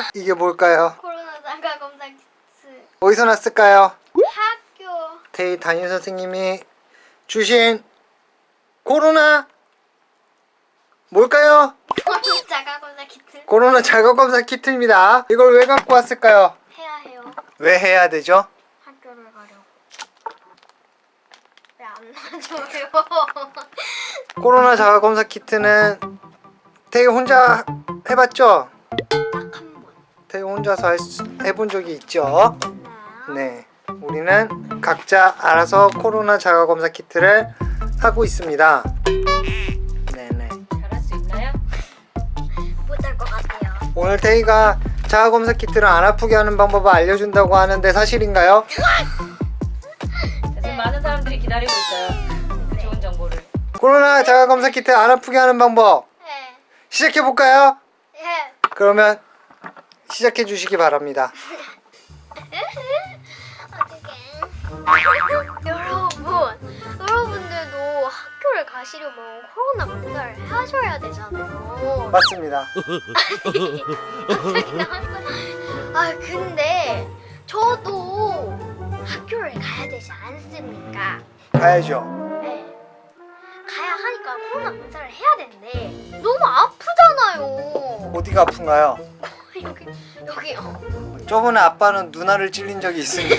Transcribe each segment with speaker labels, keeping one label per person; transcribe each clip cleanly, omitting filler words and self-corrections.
Speaker 1: 이게 뭘까요?
Speaker 2: 코로나 자가 검사 키트.
Speaker 1: 어디서 났을까요?
Speaker 2: 학교.
Speaker 1: 태희 담임 선생님이 주신 코로나 뭘까요?
Speaker 2: 코로나 자가 검사 키트.
Speaker 1: 코로나 자가검사 키트입니다. 이걸 왜 갖고 왔을까요?
Speaker 2: 해야 해요.
Speaker 1: 왜 해야 되죠?
Speaker 2: 학교를 가려고. 왜 안 놔줘요?
Speaker 1: 코로나 자가검사 키트는 태희 혼자 해봤죠?
Speaker 2: 딱 한 번.
Speaker 1: 태희 혼자서 해본 적이 있죠? 네. 우리는 각자 알아서 코로나 자가검사 키트를 하고 있습니다. 네네.
Speaker 3: 잘할 수 있나요?
Speaker 2: 못할 것 같아요.
Speaker 1: 오늘 태희가 자가검사 키트를 안 아프게 하는 방법을 알려준다고 하는데 사실인가요?
Speaker 3: 지금 많은 사람들이 기다리고 있어요. 그 좋은 정보를.
Speaker 1: 코로나 자가검사 키트 안 아프게 하는 방법
Speaker 2: 네.
Speaker 1: 시작해볼까요?
Speaker 2: 예.
Speaker 1: 그러면 시작해 주시기 바랍니다.
Speaker 2: 어떡해. 여러분들도 학교를 가시려면 코로나 검사를 하셔야 되잖아요.
Speaker 1: 맞습니다.
Speaker 2: 갑자기 나왔어. 아 근데 저도 학교를 가야 되지 않습니까?
Speaker 1: 가야죠.
Speaker 2: 네. 가야 하니까 코로나 검사를 해야 되는데 너무 아프잖아요.
Speaker 1: 어디가 아픈가요?
Speaker 2: 여기요.
Speaker 1: 저번에 아빠는 누나를 찔린 적이 있습니다.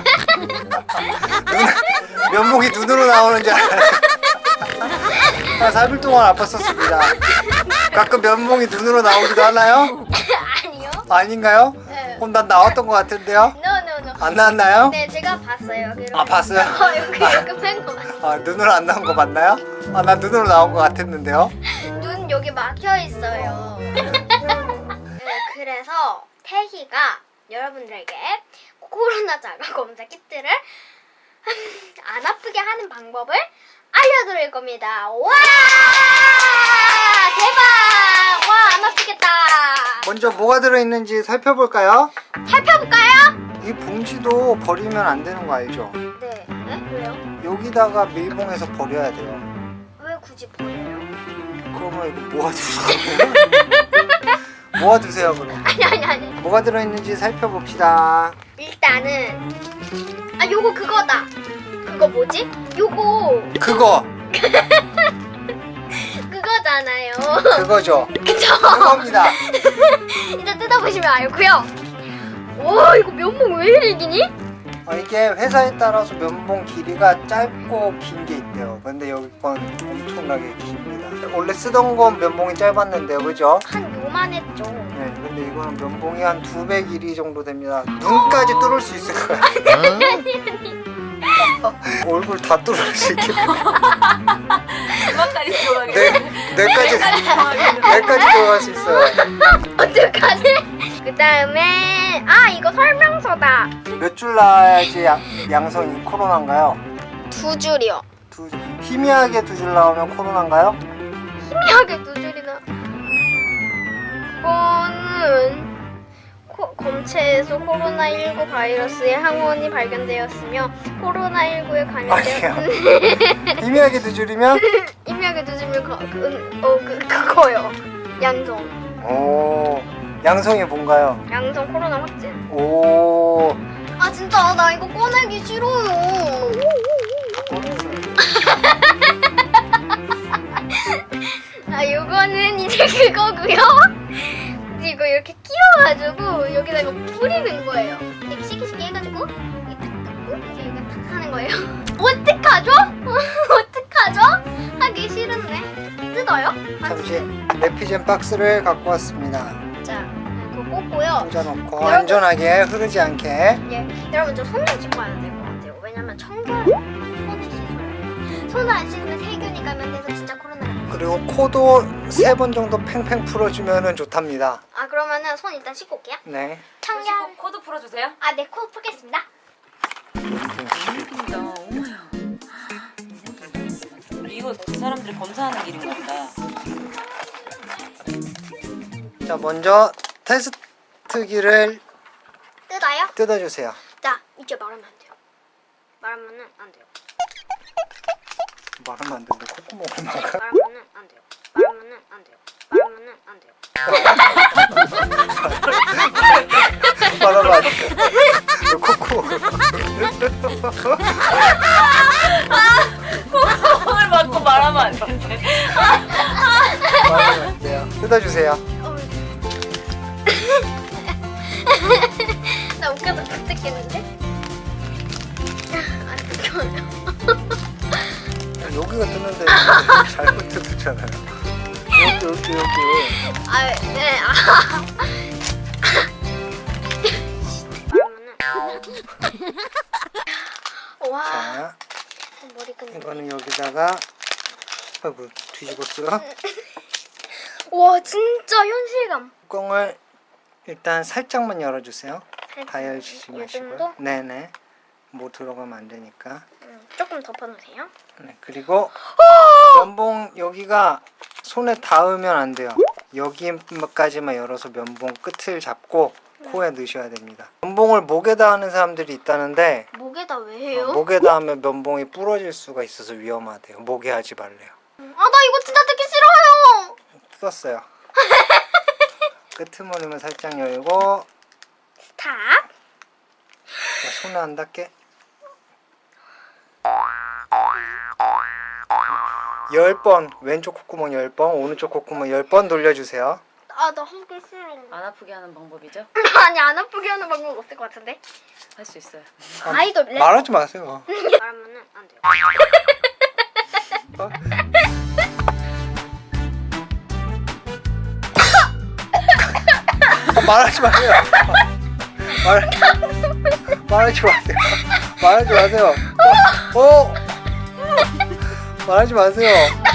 Speaker 1: 면목이 눈으로 나오는 줄 알았어요. 한 4일 동안 아팠었습니다. 가끔 면목이 눈으로 나오기도 하나요?
Speaker 2: 아니요.
Speaker 1: 아닌가요?
Speaker 2: 네.
Speaker 1: 그럼 난 나왔던 것 같은데요?
Speaker 2: No.
Speaker 1: 안 나왔나요?
Speaker 2: 네, 제가 봤어요. 여기로.
Speaker 1: 아, 봤어요?
Speaker 2: 여기 뺀거 봤어요.
Speaker 1: 아, 눈으로 안 나온 거 맞나요? 아, 난 눈으로 나온 것 같았는데요?
Speaker 2: 눈 여기 막혀 있어요. 네, 그래서 태희가 여러분들에게 코로나 자가 검사 키트를 안 아프게 하는 방법을 알려드릴 겁니다. 와! 대박! 와, 안 아프겠다.
Speaker 1: 먼저 뭐가 들어있는지 살펴볼까요?
Speaker 2: 살펴볼까요?
Speaker 1: 이 봉지도 버리면 안 되는 거 알죠?
Speaker 2: 네. 네? 왜요?
Speaker 1: 여기다가 밀봉해서 버려야 돼요.
Speaker 2: 왜 굳이 버려요?
Speaker 1: 그러면 이거 모아두세요. 모아두세요 그럼.
Speaker 2: 아니.
Speaker 1: 뭐가 들어있는지 살펴봅시다.
Speaker 2: 일단은 요거 그거다. 그거 뭐지? 요거
Speaker 1: 그거!
Speaker 2: 그거잖아요.
Speaker 1: 그거죠?
Speaker 2: 그쵸?
Speaker 1: 그겁니다.
Speaker 2: 일단 뜯어보시면 알고요. 와 이거 면봉 왜 이리 기니?
Speaker 1: 이게 회사에 따라서 면봉 길이가 짧고 긴 게 있대요. 근데 여기 건 엄청나게 깁니다. 원래 쓰던 건 면봉이 짧았는데요, 그죠?
Speaker 2: 한 요만했죠.
Speaker 1: 네, 근데 이거는 면봉이 한 2배 길이 정도 됩니다. 눈까지 뚫을 수 있을 거예요. 얼굴 다 뚫을 수 있겠네.
Speaker 3: 음악까지 들어가겠네.
Speaker 1: 뇌까지 들어갈 수 있어요.
Speaker 2: 어떡하지? 그 다음에 이거 설명서다.
Speaker 1: 몇 줄 나와야지 양성이 코로나인가요?
Speaker 2: 2줄이요.
Speaker 1: 희미하게 2줄 나오면 코로나인가요?
Speaker 2: 희미하게 2줄이나. 그거는 검체에서 코로나19 바이러스의 항원이 발견되었으며 코로나19에 감염되었으니
Speaker 1: 희미하게 2줄이면?
Speaker 2: 희미하게 2줄이면 그거요. 양성.
Speaker 1: 오, 양성이 뭔가요?
Speaker 2: 양성 코로나 확진.
Speaker 1: 오,
Speaker 2: 진짜 나 이거 꺼내기 싫어요. 요거는 이제 그거고요. 이거 이렇게 끼워가지고 여기다가 뿌리는 거예요. 이렇게 시키시키 해가지고 이렇게 탁 뜯고 이제 이거 탁 하는 거예요. 어떡하죠? 어떡하죠? 하기 싫은데 뜯어요?
Speaker 1: 잠시 레피젠 박스를 갖고 왔습니다.
Speaker 2: 자, 그거 꽂고요.
Speaker 1: 꽂아놓고
Speaker 2: 여러분.
Speaker 1: 안전하게 흐르지 않게.
Speaker 2: 예, 여러분 저 손 좀 씻고 와야 될 것 같아요. 왜냐면 청결 손을 씻어야 돼요. 손을 안 씻으면 세균이 감염돼서 진짜 코로나가 돼요.
Speaker 1: 그리고 코도 3번 정도 팽팽 풀어주면 좋답니다.
Speaker 2: 그러면은 손 일단 씻고 올게요.
Speaker 1: 네.
Speaker 2: 청결.
Speaker 3: 코드 풀어주세요.
Speaker 2: 네, 코 풀겠습니다.
Speaker 3: 진짜 어머야. 이거 그 사람들이 검사하는 길인가 보다.
Speaker 1: 자, 먼저 테스트기를
Speaker 2: 뜯어요?
Speaker 1: 뜯어주세요.
Speaker 2: 자, 이제 말하면 안 돼요. 말하면은 안 돼요.
Speaker 1: 말하면 안 되는데 콧구멍을 막아.
Speaker 2: 말하면은 안 돼요. 말하면은 안 돼요. 말하면은 안 돼요.
Speaker 1: 말하면 안 돼. 코코.
Speaker 3: 오늘 맞고 말하면 안 되는데.
Speaker 1: 말하면 안 돼요. 뜯어주세요.
Speaker 2: 나 웃겨서 못 듣겠는데? 안 웃겨요.
Speaker 1: 여기가 뜯는데 잘못 뜯었잖아요. 여기.
Speaker 2: 아, 네. 와,
Speaker 1: 자,
Speaker 2: 머리 끈.
Speaker 1: 이거는 여기다가 아이고 뒤집었어요.
Speaker 2: 와, 진짜 현실감.
Speaker 1: 뚜껑을 일단 살짝만 열어주세요.
Speaker 2: 살짝.
Speaker 1: 다 열지
Speaker 2: 이
Speaker 1: 마시고요.
Speaker 2: 정도?
Speaker 1: 네네. 뭐 들어가면 안 되니까.
Speaker 2: 조금 덮어놓으세요.
Speaker 1: 네, 그리고 면봉 여기가 손에 닿으면 안 돼요. 여기까지만 열어서 면봉 끝을 잡고 코에 넣으셔야 됩니다. 면봉을 목에다 하는 사람들이 있다는데
Speaker 2: 목에다 왜 해요?
Speaker 1: 목에다 하면 면봉이 부러질 수가 있어서 위험하대요. 목에 하지 말래요.
Speaker 2: 아, 나 이거 진짜 듣기 싫어요.
Speaker 1: 뜯었어요. 끄트머리만 살짝 열고
Speaker 2: 스탑.
Speaker 1: 자, 손에 안 닿게 10번 왼쪽 콧구멍 10번 오른쪽 콧구멍 10번 돌려주세요.
Speaker 2: 아, 나 하기 싫어.
Speaker 3: 안 아프게 하는 방법이죠?
Speaker 2: 아니, 안 아프게 하는 방법 없을 것 같은데?
Speaker 3: 할 수 있어요.
Speaker 2: 아이돌 랩.
Speaker 1: 말하지 마세요.
Speaker 2: 말하면은 안 돼요.
Speaker 1: 어? 말하지 마세요. 말하지 마세요. 말하지 마세요. 말하지 마세요.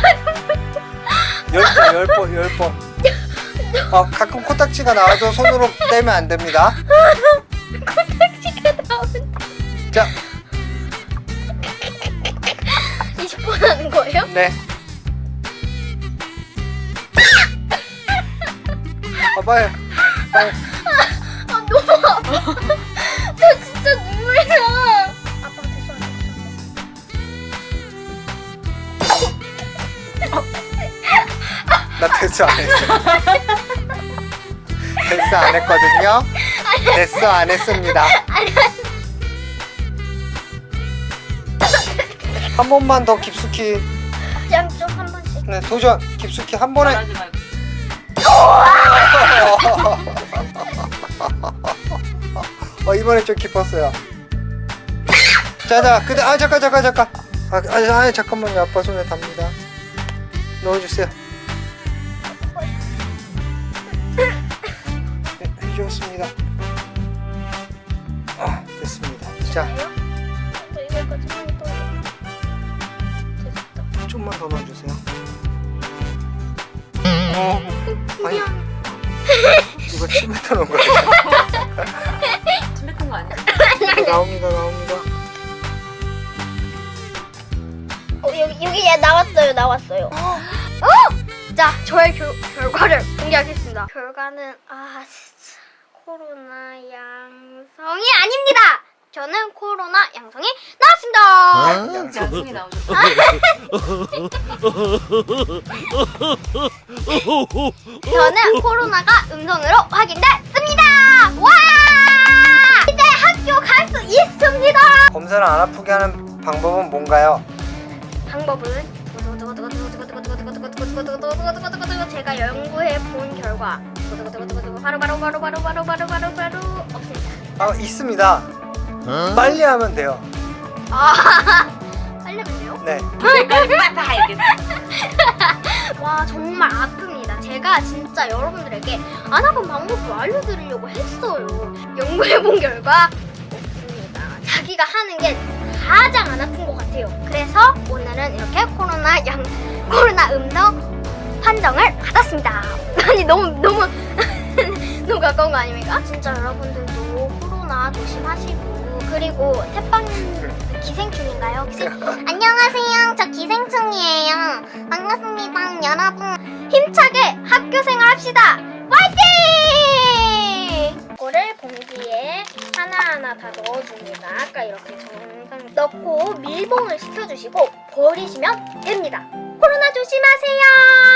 Speaker 1: 10번. 가끔 코딱지가 나와도 손으로 떼면 안 됩니다.
Speaker 2: 코딱지가 나오는데.
Speaker 1: 자,
Speaker 2: 20번 하는 거예요?
Speaker 1: 네. 빨리.
Speaker 2: 아, 너무 아파. 나 진짜 눈물이 나. 아빠
Speaker 1: 나 됐어 안 했어. 됐어 안 했거든요. 됐어 안 했습니다. 한 번만 더 깊숙이.
Speaker 2: 양쪽 한 번씩.
Speaker 1: 네, 도전. 깊숙이 한 번에.
Speaker 3: 말하지 말고.
Speaker 1: 이번에 좀 깊었어요. 자자, 근데 잠깐. 잠깐만요. 아빠 손에 답니다. 넣어주세요. 네, 해주었습니다. 됐습니다. 자,
Speaker 2: 여기까지만 또. 됐다.
Speaker 1: 좀만 더 넣어주세요. 아니, 이거 침뱉어 놓은 거예요.
Speaker 3: 침 뱉은 거 아니야?
Speaker 1: 나옵니다.
Speaker 2: 여기 얘 나왔어요. 자, 저의 결과를 공개하겠습니다. 결과는 진짜 코로나 양성이 아닙니다. 저는 코로나 양성이 나왔습니다.
Speaker 3: 양성이 나오셨다.
Speaker 2: 저는 코로나가 음성으로 확인됐습니다. 와! 이제 학교 갈 수 있습니다.
Speaker 1: 검사를 안 아프게 하는 방법은 뭔가요?
Speaker 2: 방법은 제가 연구해 본 결과 바로 없습니다.
Speaker 1: 있습니다. 빨리 하면 돼요.
Speaker 2: 빨리 하면 돼요?
Speaker 1: 네.
Speaker 3: 빨리 알겠어.
Speaker 2: 와, 정말 아픕니다. 제가 진짜 여러분들에게 안 아픈 방법을 알려드리려고 했어요. 연구해 본 결과 없습니다. 자기가 하는 게 가장 안 아픈 것 같아요. 그래서 오늘은 이렇게 코로나 음성 판정을 받았습니다. 아니 너무 너무 가까운 거 아닙니까? 진짜 여러분들도 코로나 조심하시고, 그리고 태빵 기생충인가요? 안녕하세요. 저 기생충이에요. 반갑습니다. 여러분 힘차게 학교생활 합시다. 화이팅! 이거를 봉지에 하나하나 다 넣어줍니다. 아까 이렇게 정상 넣고 밀봉을 시켜주시고 버리시면 됩니다. 코로나 조심하세요.